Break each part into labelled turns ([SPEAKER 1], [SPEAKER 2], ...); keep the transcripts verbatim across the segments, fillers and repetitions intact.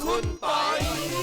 [SPEAKER 1] คุณปอย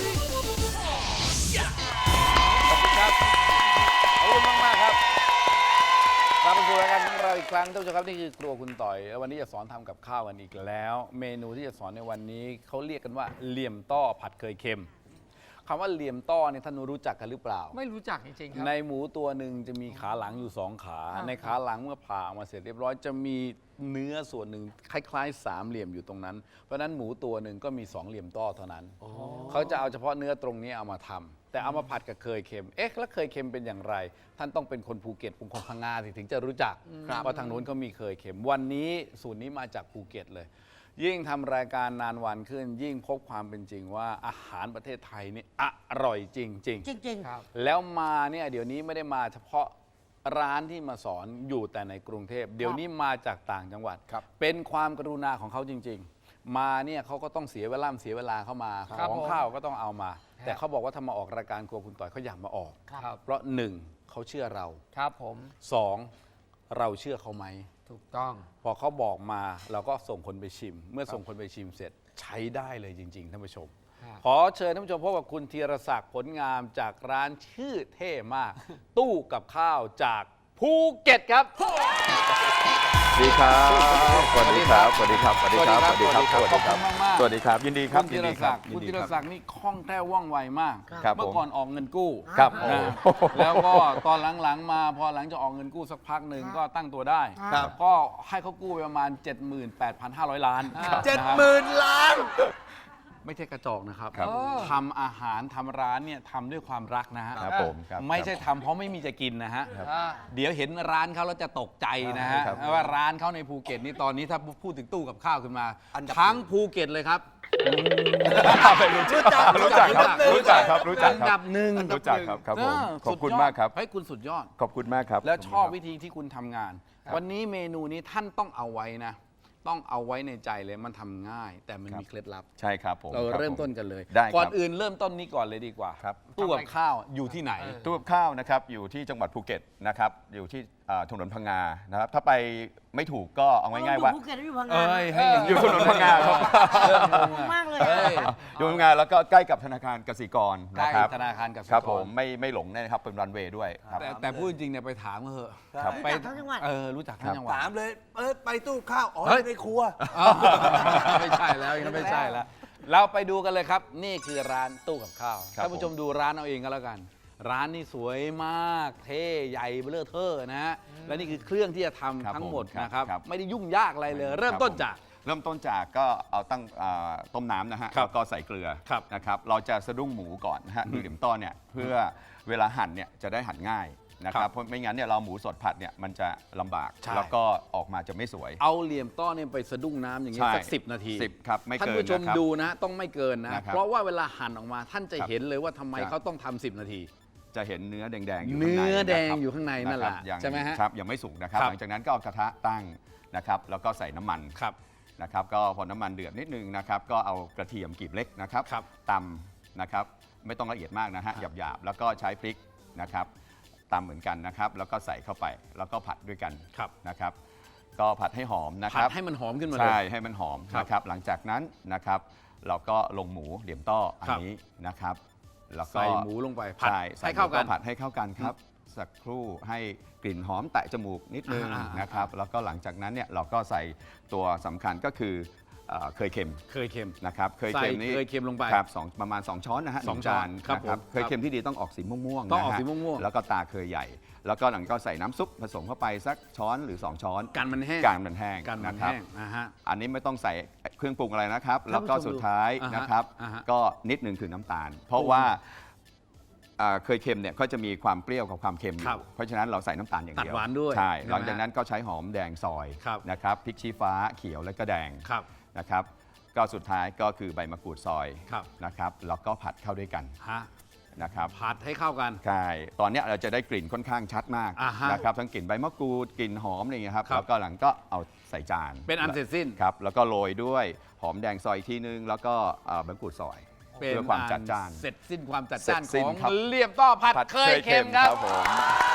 [SPEAKER 2] ขอบคุณครับขอบคุณมากมากครับกลับมาสู่รายการของเราอีกครั้งท่านผู้ชมครับนี่คือครัวคุณต่อยแล้ววันนี้จะสอนทำกับข้าวกันอีกแล้ว เมนูที่จะสอนในวันนี้เขาเรียกกันว่าเหลี่ยมต้อผัดเคยเค็มคำว่าเหลี่ยมต้อเนี่ยท่านรู้จักกันหรือเปล่า
[SPEAKER 3] ไม่รู้จักจริงๆครับ
[SPEAKER 2] ในหมูตัวหนึ่งจะมีขาหลังอยู่สองขา ในขาหลังเมื่อผ่าออกมาเสร็จเรียบร้อยจะมีเนื้อส่วนหนึ่งคล้ายๆสามเหลี่ยมอยู่ตรงนั้นเพราะฉะนั้นหมูตัวหนึ่งก็มีสองเหลี่ยมต้อเท่านั้นเขาจะเอาเฉพาะเนื้อตรงนี้เอามาทำแต่เอามาผัดกับเคยเค็มเอ๊ะแล้วเคยเค็มเป็นอย่างไร ท่านต้องเป็นคนภูเก็ตเป็นคนพังงาถึงจะรู้จักเพราะทางนู้นเขามีเคยเค็มวันนี้สูตรนี้มาจากภูเก็ตเลยยิ่งทำรายการนานวันขึ้นยิ่งพบความเป็นจริงว่าอาหารประเทศไทยนี่อร่อยจริงๆ
[SPEAKER 1] จริงๆครับ
[SPEAKER 2] แล้วมาเนี่ยเดี๋ยวนี้ไม่ได้มาเฉพาะร้านที่มาสอนอยู่แต่ในกรุงเทพเดี๋ยวนี้มาจากต่างจังหวัดเป็นความกรุณาของเขาจริงๆมาเนี่ยเขาก็ต้องเสียเวลาเสียเวลาเข้ามาของข้าวก็ต้องเอามา แต่เขาบอกว่าถ้ามาออกรายการครัวคุณต่อยเขาอยากมาออกเพราะหนึ่งเขาเชื่อเรา
[SPEAKER 3] ครับผม
[SPEAKER 2] สองเราเชื่อเขาไหม
[SPEAKER 3] ถูกต้อง
[SPEAKER 2] พอเขาบอกมาเราก็ส่งคนไปชิม เมื่อส่งคนไปชิมเสร็จใช้ได้เลยจริงๆท่านผู้ชมขอเชิญท่านผู้ชมพบกับคุณธีรศักดิ์ผลงามจากร้านชื่อเท่มาก ตู้กับข้าวจากภูเก็ตครับ
[SPEAKER 4] สวัสดีครับสวัสดีครับสวัสดีครับสวัสดีครับสวัสดีครับสวัสดีครับสวัสดีครับยินดีครับ
[SPEAKER 2] คุณธีรศักดิ์คุณธีรศักดิ์นี่คล่องแคล่วว่องไวมากเมื่อก่อนออกเงินกู้
[SPEAKER 4] ครับ
[SPEAKER 2] แล้วก็ตอนหลังๆมาพอหลังจากออกเงินกู้สักพักหนึ่งก็ตั้งตัวได้ก็ให้เขากู้ไปประมาณ เจ็ดหมื่นแปดพันห้าร้อย ล้าน
[SPEAKER 1] เจ็ดหมื่น ล้าน
[SPEAKER 2] ไม่ใช่กระจอกนะครับทำอาหารทำร้านเนี่ยทำด้วยความรักนะฮะไม่ใช่ทำเพราะไม่มีจะกินนะฮะเดี๋ยวเห็นร้านเขาแล้วจะตกใจนะฮะว่าร้านเขาในภูเก็ตนี่ตอนนี้ถ้าพูดถึงตู้กับข้าวขึ้นมาทั้งภูเก็ตเลยครับ
[SPEAKER 4] รู้จักรู้จักครับรู้จักครับรู้จัก
[SPEAKER 2] อันดับหนึ่ง
[SPEAKER 4] รู้จักครับครับผมขอบคุณมากครับ
[SPEAKER 2] ให้คุณสุดยอด
[SPEAKER 4] ขอบคุณมากครับ
[SPEAKER 2] แล้วชอบวิธีที่คุณทำงานวันนี้เมนูนี้ท่านต้องเอาไว้นะต้องเอาไว้ในใจเลยมันทำง่ายแต่มันมีเคล็ดลับ
[SPEAKER 4] ใช่ครับผม
[SPEAKER 2] เราเริ่มต้นกันเลย
[SPEAKER 4] ได้
[SPEAKER 2] ก่อนอื่นเริ่มต้นนี้ก่อนเลยดีกว่า
[SPEAKER 4] ครับ
[SPEAKER 2] ตู้กับข้าวอยู่ที่ไหน
[SPEAKER 4] ตู้กับข้าวนะครับอยู่ที่จังหวัดภูเก็ตนะครับอยู่ที่ถนนพังงานะครับถ้าไปไม่ถูกก็เอาง่ายๆว่า
[SPEAKER 1] ภูเก็ตอยู่พังงา
[SPEAKER 4] อยู่ถนนพังงาครับ
[SPEAKER 1] มากเลย
[SPEAKER 4] อยู่พังงาแล้วก็ใกล้กับธนาคารกสิกรนะครับ
[SPEAKER 2] ธนาคารกสิกร
[SPEAKER 4] ครับผมไม่ไม่หลงแน่ครับเป็นรันเวย์ด้วย
[SPEAKER 2] แต่แต่พูดจริงเนี่ยไปถามเถอะ
[SPEAKER 1] ไปทั้งจังหวัด
[SPEAKER 2] เออรู้จักทั้งจังหวัด
[SPEAKER 1] ถามเลยเออไปตู้ข้าวอ๋อในครัว
[SPEAKER 2] ไม่ใช่แล้วยังไม่ใช่แล้วเราไปดูกันเลยครับนี่คือร้านตู้กับข้าวท่านผู้ชมดูร้านเอาเองก็แล้วกันร้านนี่สวยมากเท่ใหญ่เบ้อเทอนะฮะและนี่คือเครื่องที่จะทำทั้งหมดนะครับไม่ได้ยุ่งยากอะไรเลยเริ่มต้นจาก
[SPEAKER 4] เริ่มต้นจากก็เอาตั้งต้มน้ำนะฮะแล้วก็ใส่เกลือนะครับเราจะสะดุ้งหมูก่อนนะฮะคือเหลี่ยมต้อเนี่ยเพื่อเวลาหั่นเนี่ยจะได้หั่นง่ายนะครับเพราะไม่งั้นเนี่ยเราหมูสดผัดเนี่ยมันจะลำบากแล้วก็ออกมาจะไม่สวย
[SPEAKER 2] เอาเหลี่ยมต้อเนี่ยไปสะดุ้งน้ำอย่างนี้สักสิบนาที
[SPEAKER 4] สิบครับไม่เกิน
[SPEAKER 2] ท่านผู้ชมดูนะต้องไม่เกินนะเพราะว่าเวลาหั่นออกมาท่านจะเห็นเลยว่าทำไมเขาต้องทำสิบนาที
[SPEAKER 4] จะเห็นเนื้อแดงๆอยู่
[SPEAKER 2] ข้างในเนื้อแดงอยู่ข้างในนั่นแหละใช่ไหมฮะ
[SPEAKER 4] ครับยังไม่สุกนะครับหลังจากนั้นก็เอากระทะตั้งนะครับแล้วก็ใส่น้ำมันนะครับก็พอน้ำมันเดือดนิดนึงนะครับก็เอากระเทียมกลีบเล็กนะครับตำนะครับไม่ต้องละเอียดมากนะฮะหยาบๆแล้วก็ใช้พริกนะครับตำเหมือนกันนะครับแล้วก็ใส่เข้าไปแล้วก็ผัดด้วยกันนะครับก็ผัดให้หอมนะครับ
[SPEAKER 2] ผัดให้มันหอมขึ้นมาเลย
[SPEAKER 4] ใช่ให้มันหอมนะครับหลังจากนั้นนะครับเราก็ลงหมูเหลี่ยมต้ออันนี้นะครับ
[SPEAKER 2] แล้วก็ใส่หมูลงไปผัด
[SPEAKER 4] ให้เข้ากันผัดให้เข้ากันครับสักครู่ให้กลิ่นหอมแตะจมูกนิดนึงนะครับแล้วก็หลังจากนั้นเนี่ยเราก็ใส่ตัวสำคัญก็คือเคยเค็ม
[SPEAKER 2] เคยเค็ม
[SPEAKER 4] นะครับเคยเค็มนี้
[SPEAKER 2] เคยเค็มลงไป
[SPEAKER 4] ครับสองประมาณสองช้อนนะฮะสองจานนะครับเคยเค็มที่ดีต้องออกสีม่วงๆ
[SPEAKER 2] ต้องออกสีม่วง
[SPEAKER 4] ๆแล้วก็ตาเคยใหญ่แล้วก็หลังก็ใส่น้ำซุปผสมเข้าไปสักช้อนหรือสองช้อน
[SPEAKER 2] กันมันแห้ง
[SPEAKER 4] กันมันแห้งนะครับอันนี้ไม่ต้องใส่เครื่องปรุงอะไรนะครับแล้วก็สุดท้ายนะครับก็นิดนึงคือน้ำตาลเพราะว่าเคยเค็มเนี่ยก็จะมีความเปรี้ยวกับความเค็มอยู่เพราะฉะนั้นเราใส่น้ำตาลอย่างเดียว
[SPEAKER 2] ตัดหวานด้วย
[SPEAKER 4] ใช่หลังจากนั้นก็ใช้หอมแดงซอยนะครับพริกชี้ฟ้าเขียวและก็แดงนะครับก็สุดท้ายก็คือใบมะกรูดซอยนะครับแล้วก็ผัดเข้าด้วยกันนะครับ
[SPEAKER 2] ผัดให้เข้ากัน
[SPEAKER 4] ใช่ตอนนี้เราจะได้กลิ่นค่อนข้างชัดมากนะครับทั้งกลิ่นใบมะกรูดกลิ่นหอมอะไรอย่างเงี้ยครับแล้วก็หลังก็เอาใส่จาน
[SPEAKER 2] เป็นอันเสร็จสิ้น
[SPEAKER 4] ครับแล้วก็โรยด้วยหอมแดงซอยทีนึงแล้วก็ใบมะกรูดซอยเพื่อความจัดจ้าน
[SPEAKER 2] เสร็จสิ้นความจัดจ้านของเหลี่ยมต้อผัดเคยเค็มครับ
[SPEAKER 4] ผม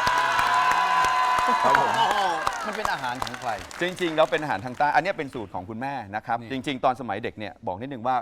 [SPEAKER 4] ครับผม
[SPEAKER 2] มันเป็นอาหารของใคร
[SPEAKER 4] จริงๆแล้วเป็นอาหารทางใต้อันนี้เป็นสูตรของคุณแม่นะครับจริงๆตอนสมัยเด็กเนี่ยบอกนิดนึงว่า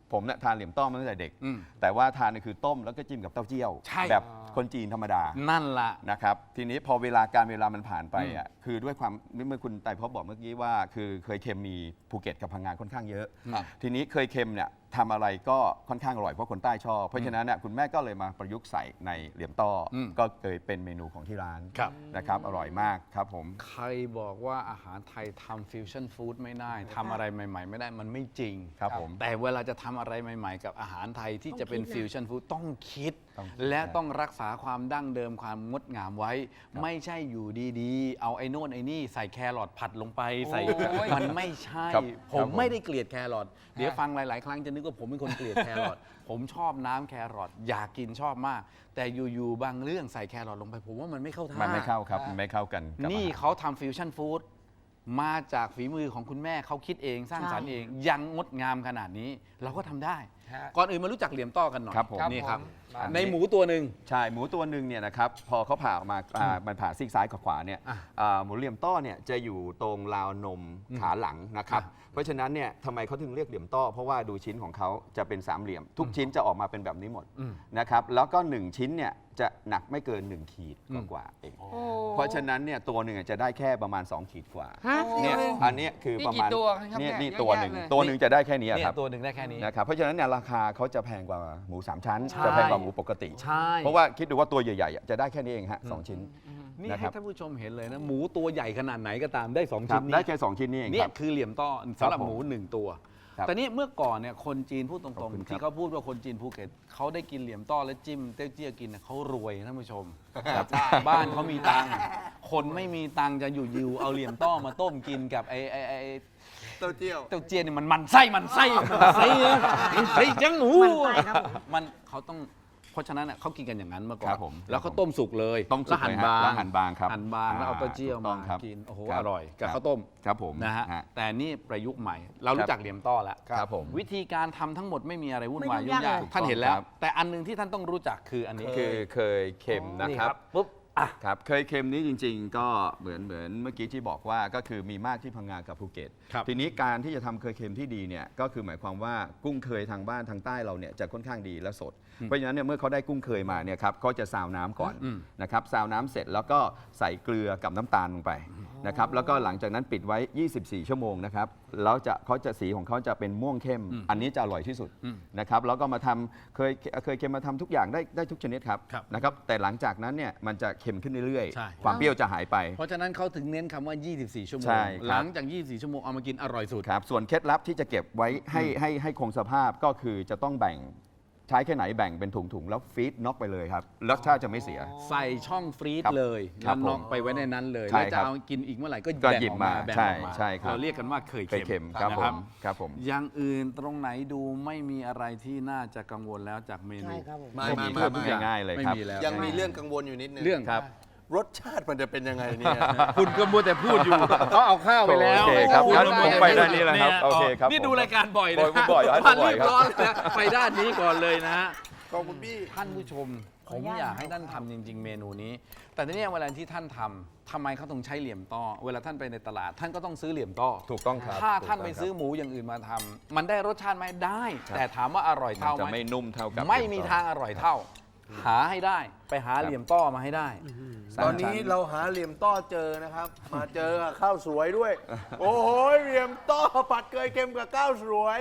[SPEAKER 4] ผมเนี่ยทานเหลี่ยมต้อมาตั้งแต่เด็ก
[SPEAKER 2] อืม
[SPEAKER 4] แต่ว่าทานเนี่ยคือต้มแล้วก็จิ้มกับเต้าเจี้ยว
[SPEAKER 2] ใช่
[SPEAKER 4] แบบคนจีนธรรมดา
[SPEAKER 2] นั่นล่ะ
[SPEAKER 4] นะครับทีนี้พอเวลาการเวลามันผ่านไปอ่ะคือด้วยความเมื่อคุณไต่พบบอกเมื่อกี้ว่า คือเคยเค็มมีภูเก็ตกับพังงานค่อนข้างเยอะ
[SPEAKER 2] ครับ
[SPEAKER 4] ทีนี้เคยเค็มเนี่ยทำอะไรก็ค่อนข้างอร่อยเพราะคนใต้ชอบเพราะฉะนั้นเนี่ยคุณแม่ก็เลยมาประยุกต์ใส่ในเหลี่ยมต้ออ
[SPEAKER 2] ม
[SPEAKER 4] ก็เลยเป็นเมนูของที่ร้าน
[SPEAKER 2] ครับ
[SPEAKER 4] นะครับอร่อยมากครับผม
[SPEAKER 2] ใครบอกว่าอาหารไทยทำฟิวชั่นฟู้ดไม่ได้ทำอะไรใหม่ ๆ ไม่ได้มันไม่จริง
[SPEAKER 4] ครับผม
[SPEAKER 2] แต่เวลาจะทำอะไรใหม่ ๆ กับอาหารไทยที่จะเป็น
[SPEAKER 1] ต้องคิดนะ
[SPEAKER 2] ฟิวชั่นฟู้ดต้องคิด
[SPEAKER 4] ต้องคิด
[SPEAKER 2] และ
[SPEAKER 4] ครับ
[SPEAKER 2] ต้องรักษาความดั้งเดิมความงดงามไว้ ไม่ใช่อยู่ดีๆ เอาไอ้โน่นไอ้นี่ใส่แครอทผัดลงไปใส่
[SPEAKER 3] โอ้ย
[SPEAKER 2] มันไม่ใช่
[SPEAKER 4] ครับ
[SPEAKER 2] ผ
[SPEAKER 4] ครั
[SPEAKER 2] ม
[SPEAKER 4] บผม
[SPEAKER 2] ไม่ได้เกลียดแครอทเดี๋ยวฟังหลาย ๆ ครั้งจะนึกว่าผมเป็นคนเกลียดแครอทผมชอบน้ำแครอทอยากกินชอบมาก แต่อยู่ๆบางเรื่องใส่แครอทลงไปผมว่ามันไม่เข้าท่า
[SPEAKER 4] มันไม่เข้าครับมันไม่เข้ากันกับ
[SPEAKER 2] นี่
[SPEAKER 4] อาหาร
[SPEAKER 2] เขาทำฟิวชั่นฟู้ดมาจากฝีมือของคุณแม่เขาคิดเองสร้างสรรค์เอง ยังงดงามขนาดนี้ เราก็ทำได้
[SPEAKER 3] ฮะ
[SPEAKER 2] ก่อนอื่นมารู้จักเหลี่ยมต้อกันหน่อย
[SPEAKER 4] ครับผม
[SPEAKER 2] นี่ครับ
[SPEAKER 3] ครับผม
[SPEAKER 2] ในหมูตัวหนึ่ง
[SPEAKER 4] ใช่หมูตัวหนึ่งเนี่ยนะครับพอเขาผ่าออกมาอ่ามันผ่าซีกซ้ายกับขวาเนี่ย
[SPEAKER 2] อ่ะ
[SPEAKER 4] อ่าหมูเหลี่ยมต้อเนี่ยจะอยู่ตรงราวนมขาหลังนะครับ
[SPEAKER 2] อ่ะ
[SPEAKER 4] เพราะฉะนั้นเนี่ยทำไมเขาถึงเรียกเหลี่ยมต้อเพราะว่าดูชิ้นของเขาจะเป็นสามเหลี่ยม ทุกชิ้นจะออกมาเป็นแบบนี้หมด
[SPEAKER 2] อืม
[SPEAKER 4] นะครับแล้วก็หนึ่งชิ้นเนี่ยจะหนักไม่เกินหนึ่งขีด
[SPEAKER 2] อืม
[SPEAKER 4] กว่าๆเองเพราะฉะนั้นเนี่ยตัวหนึ่งจะได้แค่ประมาณสองขีดกว่า
[SPEAKER 3] ฮะ
[SPEAKER 4] เนี่ยอันเนี้ยคือประมาณ
[SPEAKER 3] นี่กี่ตัวครับ
[SPEAKER 4] เนี่ย
[SPEAKER 3] เนี่ย
[SPEAKER 4] นี่
[SPEAKER 3] เยอะ
[SPEAKER 4] ตัวหนึ่ง
[SPEAKER 3] แยะเลย
[SPEAKER 4] ตัวหนึ่งจะได้แค่นี้
[SPEAKER 2] เนี่ย
[SPEAKER 4] ครับ
[SPEAKER 2] ตัวหนึ่งได้แค่นี้
[SPEAKER 4] นะครับเพราะฉะนั้นเนี่ยราคาเขาจะแพงกว่าหมูสามชั้น
[SPEAKER 2] ใช่
[SPEAKER 4] จะแพงกว่าหมูปกติ
[SPEAKER 2] ใช่
[SPEAKER 4] เพราะว่าคิดดูว่าตัวใหญ่ๆอ่ะจะได้แค่นี้เองฮะสองชิ้น
[SPEAKER 2] นี่
[SPEAKER 4] นะค
[SPEAKER 2] ให้
[SPEAKER 4] รับ
[SPEAKER 2] ท่านผู้ชมเห็นเลยนะ หมูตัวใหญ่ขนาดไหนก็ตามได้สอง
[SPEAKER 4] ครั
[SPEAKER 2] ชิ้
[SPEAKER 4] บ
[SPEAKER 2] นนี้
[SPEAKER 4] ได้แค่สองชิ้นนี้เอง
[SPEAKER 2] เนี่
[SPEAKER 4] ค
[SPEAKER 2] ย
[SPEAKER 4] รับ
[SPEAKER 2] คือเหลี่ยมต้อสำหรับ
[SPEAKER 4] ครับผม
[SPEAKER 2] หมูหนึ่งตัว
[SPEAKER 4] ครับ
[SPEAKER 2] แต่นี่เมื่อก่อนเนี่ยคนจีนพูดต
[SPEAKER 4] ข
[SPEAKER 2] ร
[SPEAKER 4] อบ
[SPEAKER 2] ง
[SPEAKER 4] คุณ
[SPEAKER 2] ๆ
[SPEAKER 4] ครับ
[SPEAKER 2] ที่เขาพูดว่าคนจีนภูเก็ตเขาได้กินเหลี่ยมต้อและจิ้มเต้าเจี้ยกินเนี่ยเขารวยท่านผู้ชมบ้านเขามีตังค์คนไม่มีตังค์จะอยู่ยิวเอาเหลี่ยมต้อมาต้มกินกับไอ้ไอ้ไอ้
[SPEAKER 1] เต้าเจี้ยว
[SPEAKER 2] เต้าเจี้ยนี่มันมันไส้มันไส้มันไส้นะมันไส้จังหู
[SPEAKER 1] มันไส้ครับผม
[SPEAKER 2] มันเขาต้องเพราะฉะนั้นน่ะเขากินกันอย่างนั้นเมื่อก่อ
[SPEAKER 4] ครั
[SPEAKER 2] น
[SPEAKER 4] บผม
[SPEAKER 2] แล้วเขาต้มสุกเลย
[SPEAKER 4] ต้มสุก
[SPEAKER 2] แล้วหั่น
[SPEAKER 4] เลยฮะ
[SPEAKER 2] บาง
[SPEAKER 4] แล้วหั่นบางครับ
[SPEAKER 2] หั่นบางแล้วเอาเต้าเจี้ยว
[SPEAKER 4] ถูกต้
[SPEAKER 2] มา
[SPEAKER 4] องครับ
[SPEAKER 2] กินโอ้โห
[SPEAKER 4] ครับ
[SPEAKER 2] อร่อยกับ
[SPEAKER 4] ครับ
[SPEAKER 2] ข้าวต้ม
[SPEAKER 4] ครับผม
[SPEAKER 2] นะฮะ
[SPEAKER 4] ฮะ
[SPEAKER 2] แต่นี่ประยุกต์ใหม่ เรารู้จักเหลี่ยมต้อแล้ว
[SPEAKER 4] ครับผม
[SPEAKER 2] วิธีการทำทั้งหมดไม่มีอะไรวุ่นวาย
[SPEAKER 1] ไม่
[SPEAKER 2] ยุ่
[SPEAKER 1] ยุ่
[SPEAKER 2] ง
[SPEAKER 1] ง
[SPEAKER 2] ยาย
[SPEAKER 1] าก ก
[SPEAKER 2] ท่านเห็นแล้ว
[SPEAKER 4] ครับ
[SPEAKER 2] แต่อันหนึงที่ท่านต้องรู้จักคืออันนี้
[SPEAKER 4] คือเคยเค็มนะครับ
[SPEAKER 2] ปุ๊บอ่ะ
[SPEAKER 4] ครับเคยเค็มนี้จริง ๆ ก็เหมือนเหมือนเมื่อกี้ที่บอกว่าก็คือมีมากที่พังงากับภูเก็ต
[SPEAKER 2] ครับ
[SPEAKER 4] ทีนี้การที่จะทำเคยเค็มที่ดีเนี่ยก็คือหมายความว่ากุ้งเคยทางบ้านทางใต้เราเนี่ยจะค่อนข้างดีและสด เพราะฉะนั้นเนี่ยเมื่อเขาได้กุ้งเคยมาเนี่ยครับเขาจะซาวน้ำก่อน
[SPEAKER 2] อืม
[SPEAKER 4] นะครับซาวน้ำเสร็จแล้วก็ใส่เกลือกับน้ำตาลลงไปนะครับแล้วก็หลังจากนั้นปิดไว้ ยี่สิบสี่ ชั่วโมงนะครับแล้วจะเขาจะสีของเขาจะเป็นม่วงเข้ม อันนี้จะอร่อยที่สุด
[SPEAKER 2] อืม
[SPEAKER 4] นะครับแล้วก็มาทำเคยเคยเค็มมาทำทุกอย่างได้ได้ทุกชนิดครับ
[SPEAKER 2] ครับ
[SPEAKER 4] นะครับแต่หลังจากนั้นเนี่ยมันจะเค็มขึ้นเรื่อย
[SPEAKER 2] ใช่
[SPEAKER 4] ๆ ความเปรี้ยวจะหายไป
[SPEAKER 2] เพราะฉะนั้นเขาถึงเน้นคำว่า ยี่สิบสี่ ชั่วโม
[SPEAKER 4] ใช่
[SPEAKER 2] ง
[SPEAKER 4] ครับ
[SPEAKER 2] หลังจาก ยี่สิบสี่ ชั่วโมงเอามากินอร่อยสุด
[SPEAKER 4] ครับส่วนเคล็ดลับที่จะเก็บไว้ให้ให้ให้คงสภาพก็คือจะต้องแบ่งใช้แค่ไหนแบ่งเป็นถุงๆ แล้วฟีดน็อกไปเลยครับรสชาติจะไม่เสีย
[SPEAKER 2] ใส่ช่องฟรีซ
[SPEAKER 4] ครับ
[SPEAKER 2] เลย
[SPEAKER 4] ครั
[SPEAKER 2] แล้ว
[SPEAKER 4] บ
[SPEAKER 2] น็อกไปไว้ในนั้นเลย
[SPEAKER 4] ใช่
[SPEAKER 2] แล้วจะ
[SPEAKER 4] ครับ
[SPEAKER 2] เอากินอีกเมื่อไหร่ก็
[SPEAKER 4] ก็
[SPEAKER 2] แบ่ง
[SPEAKER 4] หยิบ
[SPEAKER 2] ออก
[SPEAKER 4] มา
[SPEAKER 2] มาแบ่ง
[SPEAKER 4] ใช่
[SPEAKER 2] ออกมา
[SPEAKER 4] ใช่ครับ
[SPEAKER 2] เราเรียกกันว่าเคย
[SPEAKER 4] เคย
[SPEAKER 2] เค็
[SPEAKER 4] เค็
[SPEAKER 2] ม
[SPEAKER 4] มครับ
[SPEAKER 2] นะ
[SPEAKER 4] ผ
[SPEAKER 2] ครับ
[SPEAKER 4] มครับผม
[SPEAKER 2] อย่างอื่นตรงไหนดูไม่มีอะไรที่น่าจะกังวลแล้วจากเมนู
[SPEAKER 1] ใช่ครับผม
[SPEAKER 2] ไม่
[SPEAKER 1] ไม่
[SPEAKER 2] มี
[SPEAKER 1] ไม่
[SPEAKER 2] ครับ
[SPEAKER 1] ไม่
[SPEAKER 2] ทุกอย่าง
[SPEAKER 4] ง่ายๆเลย
[SPEAKER 2] ไม่
[SPEAKER 4] ครับ
[SPEAKER 2] มีแล้ว
[SPEAKER 1] ยังมีเรื่องกังวลอยู่นิดนึง
[SPEAKER 2] เรื่อง
[SPEAKER 4] ครับ
[SPEAKER 1] รสชาติมันจะเป็นยังไงเนี่ย
[SPEAKER 2] คุณก็มัวแต่พูดอยู่เขาเอาข้าวไปแล้ว
[SPEAKER 4] โอเคครับ
[SPEAKER 2] ณ
[SPEAKER 4] งั้น
[SPEAKER 2] ก็
[SPEAKER 4] ผม
[SPEAKER 2] วแต่
[SPEAKER 4] ไปด้านนี้แล้วครับ
[SPEAKER 2] ย
[SPEAKER 4] โอเคครับ
[SPEAKER 2] นี่
[SPEAKER 4] ผม
[SPEAKER 2] ดูรายการบ่อยนะ
[SPEAKER 4] บ่อยบ่อยให้
[SPEAKER 2] พัน
[SPEAKER 4] บ่อย
[SPEAKER 2] รีบ
[SPEAKER 4] ครับ
[SPEAKER 2] ร้อนนะไปด้านนี้ก่อนเลยนะฮะ
[SPEAKER 1] ขอบคุณพี่
[SPEAKER 2] ท่านผู้ชม
[SPEAKER 1] ข
[SPEAKER 2] ผ
[SPEAKER 1] ออ
[SPEAKER 2] ม
[SPEAKER 1] นุญาต
[SPEAKER 2] อยากให้ท่านทำจริง ๆ เมนูนี้ แต่ทีนี้เวลาที่ท่านทำทำไมเขาต้องใช้เหลี่ยมต้อ เวลาท่านไปในตลาด ท่านก็ต้องซื้อเหลี่ยมต้อ
[SPEAKER 4] ถูกต้องครับ
[SPEAKER 2] ถ้าท่าน
[SPEAKER 4] ถูก
[SPEAKER 2] ไป
[SPEAKER 4] ต้ง
[SPEAKER 2] ซื้อ
[SPEAKER 4] ครับ
[SPEAKER 2] หมูอย่างอื่นมาทำมันได้รสชาติไหมได้
[SPEAKER 4] ครับ
[SPEAKER 2] แต่ถามว่าอร่อย
[SPEAKER 4] มัน
[SPEAKER 2] เท่า
[SPEAKER 4] จะ
[SPEAKER 2] ไหม
[SPEAKER 4] ไม่นุ่มเท่ากับ
[SPEAKER 2] ไม่มีทางอร่อยเท่า หาให้ได้ไปหาเหลี่ยมต้อมาให้ได้
[SPEAKER 1] ตอนนี้เราหาเหลี่ยมต้อเจอนะครับ มาเจอกับข้าวสวยด้วย โอ้โหเหลี่ยมต้อผัดเกยเค็มกับข้าวสวย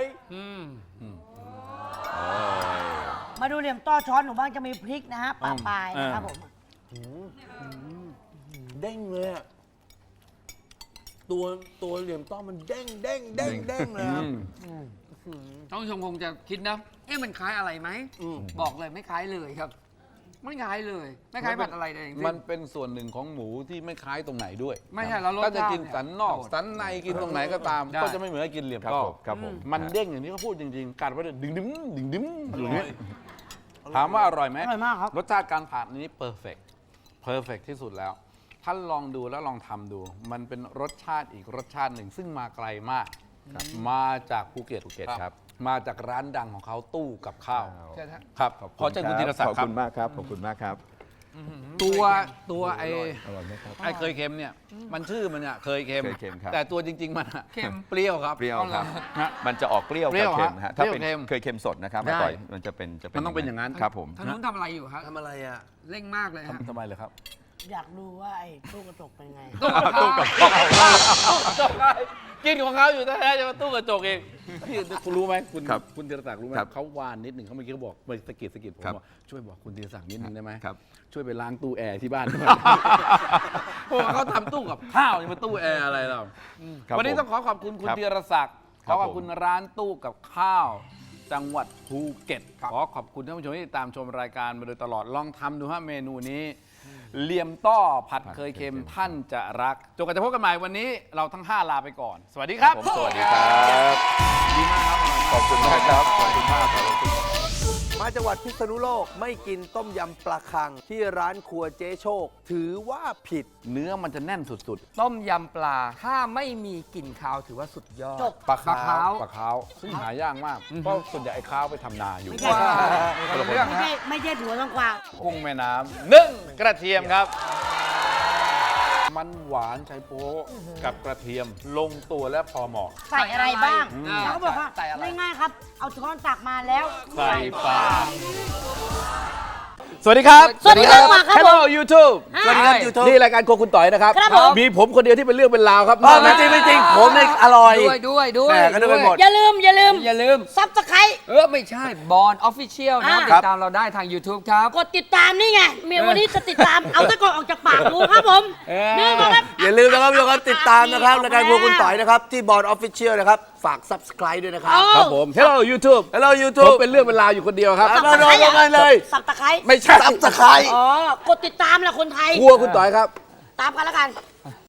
[SPEAKER 5] มาดูเหลี่ยมต้อช้อนหนูบ้างจะมีพริกนะฮะปะปลายนะครับผม
[SPEAKER 1] เด้งเลยอะตัวตัวเหลี่ยมต้อมันเด้งเด้งเด้งเด้งเลยครับ
[SPEAKER 3] ท่านผู้ชมคงจะคิดนะ เอ๊ะมันคล้ายอะไรไหม
[SPEAKER 1] อืม
[SPEAKER 3] บอกเลยไม่คล้ายเลยครับ ไม่คล้ายเลย ไม่คล้ายผัดอะไรเลยจริงๆ
[SPEAKER 2] มันเป็นส่วนหนึ่งของหมูที่ไม่คล้ายตรงไหนด้วย
[SPEAKER 3] ไม่ใช่แล้วรส
[SPEAKER 2] ถ้าจะ
[SPEAKER 3] ชาติ
[SPEAKER 2] กินสันนอก
[SPEAKER 3] เนี่ย
[SPEAKER 2] สันในกินตรงไหนก็ตาม
[SPEAKER 3] ได้
[SPEAKER 2] ก็จะไม่เหมือนกับกินเหลี่ยม
[SPEAKER 4] ครับ
[SPEAKER 2] ต้อ
[SPEAKER 4] ผมครับผม
[SPEAKER 2] มันเด้งอย่างที่เขาพูดจริงๆกัดไปเลยดึงดึงดึงดึงอย่างนี้ถามว่าอร่อยไหม
[SPEAKER 5] อร่อยมากครับ
[SPEAKER 2] รสชาติการผัดนี้เพอร์เฟกต์เพอร์เฟกที่สุดแล้วท่านลองดูแล้วลองทำดู มันเป็นรสชาติอีกรสชาติหนึ่ง ซึ่งมาไกลมาก มาจากภูเก็ต
[SPEAKER 4] ภูเก็ตครับ
[SPEAKER 2] มาจากร้านดังของเขาตู้กับข้าว
[SPEAKER 3] เชิญฮะ
[SPEAKER 2] ครับขอเชิญคุณธีรศักดิ์
[SPEAKER 4] ขอบ
[SPEAKER 2] ครับ
[SPEAKER 4] คุณมากครับขอบคุณมากครับ
[SPEAKER 3] ตัวตัวไอ้
[SPEAKER 2] ไอ้เคยเค็มเนี่ยมันชื่อมันเนี่ยเคยเค็ม
[SPEAKER 4] เคยเค็มครับ
[SPEAKER 2] แต่ตัวจริง ๆ มันอะ
[SPEAKER 3] เค็ม
[SPEAKER 2] เปรี้ยวครับ
[SPEAKER 4] เปรี้ยว
[SPEAKER 3] เอาเหร
[SPEAKER 4] ค
[SPEAKER 3] อ
[SPEAKER 4] รับ
[SPEAKER 2] ฮะ
[SPEAKER 4] มันจะออกเปรี้ยว
[SPEAKER 2] เปรี้ยว
[SPEAKER 4] กับเค็ม
[SPEAKER 2] ฮะ
[SPEAKER 4] ฮะถ้าเป็น
[SPEAKER 2] เปรี้ยวเค็ม
[SPEAKER 4] เคยเค็มสดนะครับ
[SPEAKER 2] ได้
[SPEAKER 4] อร่อยมันจะเป็นจะเป็น
[SPEAKER 2] มันต้องเป็นอย่างนั้น
[SPEAKER 4] ครับผม
[SPEAKER 3] ทางนู้นทำอะไรอยู่ครับ
[SPEAKER 1] ทำอะไรอ่ะ
[SPEAKER 3] เร่งมากเลยฮะ
[SPEAKER 2] ทำไมเลยครับ
[SPEAKER 5] อยากดูว่าไอ้ตู้กระจกเป็นไง
[SPEAKER 3] ตู้กับ
[SPEAKER 2] กินของเขาอยู่แท้ๆจะมาตู้กระจกเองพี่คุณรู้ไหมคุณ
[SPEAKER 4] ครับ
[SPEAKER 2] คุณธีรศักดิ์รู้ไหม
[SPEAKER 4] ครับ
[SPEAKER 2] เขาวานนิดหนึ่งเขาเมื่อกี้เขาบอกไปสะกิดสะกิดผม
[SPEAKER 4] ครับ
[SPEAKER 2] ว่าช่วยบอกคุณธีรศักดิ์นิดหนึ่งได้ไหม
[SPEAKER 4] ครับ
[SPEAKER 2] ช่วยไปล้างตู้แอร์ที่บ้านด้วยเพราะว่าเขาทำตู้กับข้าวนี่มาตู้แอร์อะไรเรา
[SPEAKER 4] ครับ
[SPEAKER 2] วันนี้
[SPEAKER 4] ผม
[SPEAKER 2] ต้องขอขอบคุณคุณ
[SPEAKER 4] ครับ
[SPEAKER 2] ธีรศักดิ์ข
[SPEAKER 4] ครั
[SPEAKER 2] อบ ขอบ
[SPEAKER 4] ผม
[SPEAKER 2] คุณร้านตู้กับข้าว จังหวัดภูเก็ตขอขอบคุณท่านผู้ชมที่ติดตามชมรายการมาโดยตลอดลองทำดูฮะเมนูนี้เหลี่ยมต้อผัดเคยเค็มท่านจะรักจนกว่าจะพบกันใหม่วันนี้เราทั้งห้าลาไปก่อน สวัสดีครับ
[SPEAKER 4] ผมสวัสดีครับ
[SPEAKER 2] ดีมากครับ
[SPEAKER 4] ขอบคุณมากครับขอบคุณมากครับ
[SPEAKER 1] มาจังหวัดพิษณุโลกไม่กินต้มยำปลาคัง ที่ร้านครัวเจ๊โชค ถือว่าผิด
[SPEAKER 2] เนื้อมันจะแน่นสุด
[SPEAKER 3] ต้มยำปลา ถ้าไม่มีกลิ่นคาวถือว่าสุดยอด
[SPEAKER 5] จบ
[SPEAKER 2] ๆปลา
[SPEAKER 3] ปลา
[SPEAKER 2] ขาว
[SPEAKER 3] ขาว
[SPEAKER 2] ปลาขาวซึ่งหายากมากเพราะส่วนใหญ่ไอ้ขาวไปทำนาอยู่
[SPEAKER 5] ไม่ใช่
[SPEAKER 3] ว้าวเรื่อง
[SPEAKER 5] ไม่
[SPEAKER 3] ฮะ
[SPEAKER 5] ใช่ไม่ใช่ถั่วต้องกวาง
[SPEAKER 2] กุ้งแม่น้ำนึ่งกระเทียมครับ มันหวานไชโป๊ะกับกระเทียมลงตัวและพอเหมาะ
[SPEAKER 5] ใส่อะไรบ้าง
[SPEAKER 3] อืม
[SPEAKER 5] แล้วก็บอกว่า
[SPEAKER 3] ใส่อะไร
[SPEAKER 5] ง่ายๆครับ เอาช้อนตักมาแล้ว
[SPEAKER 2] ใส่ปลาสวัสดีครับ
[SPEAKER 5] สวัสดีครับครับ
[SPEAKER 2] Hello YouTube
[SPEAKER 1] สวัสดีครับยูทูบ
[SPEAKER 2] นี่รายการโครัวคุณต่อยนะครับ
[SPEAKER 5] ครับผม
[SPEAKER 2] มีผมคนเดียวที่เป็นเรื่องเป็นราวครับ
[SPEAKER 1] ไม่จริงไม่จริงผมเนี่ยอร่อย
[SPEAKER 3] ด้วยด้วยด้วย
[SPEAKER 1] แหม่ก็นึกไปหมด
[SPEAKER 5] อย่าลืม อย่าลืม
[SPEAKER 3] อย่าลืม
[SPEAKER 5] ซับสไครต์
[SPEAKER 3] เออ ไม่ใช่บอลออฟฟิเชียลนะ
[SPEAKER 5] อ่า
[SPEAKER 3] ติดตามเราได้ทาง YouTube ครับ
[SPEAKER 5] กดติดตามนี่ไงเมียวันนี้จะติดตาม เอาตะกอนออกจากปากดูครับผม
[SPEAKER 3] เออ
[SPEAKER 5] นี่ก็ครับ
[SPEAKER 1] อย่าลืมนะครับทุกคนติดตามนะครับรายการครัวคุณต่อยนะครับ ที่บอร์ดออฟฟิเชียลนะครับ ฝาก subscribe ด้วยนะครับ
[SPEAKER 2] ครับผม Hello YouTube
[SPEAKER 1] Hello
[SPEAKER 2] ผม
[SPEAKER 1] YouTube
[SPEAKER 2] เป็นเรื่องเป็นราวอยู่คนเดียวครับ
[SPEAKER 1] เอาเลยเอาเลยเลย
[SPEAKER 5] สับตะไคร้
[SPEAKER 2] ไม่ใช่
[SPEAKER 1] subscribe
[SPEAKER 5] อ๋อ กดติดตามแหละคนไทย
[SPEAKER 2] ครัวคุณต่อยครับ
[SPEAKER 5] ตามกันแล้วกัน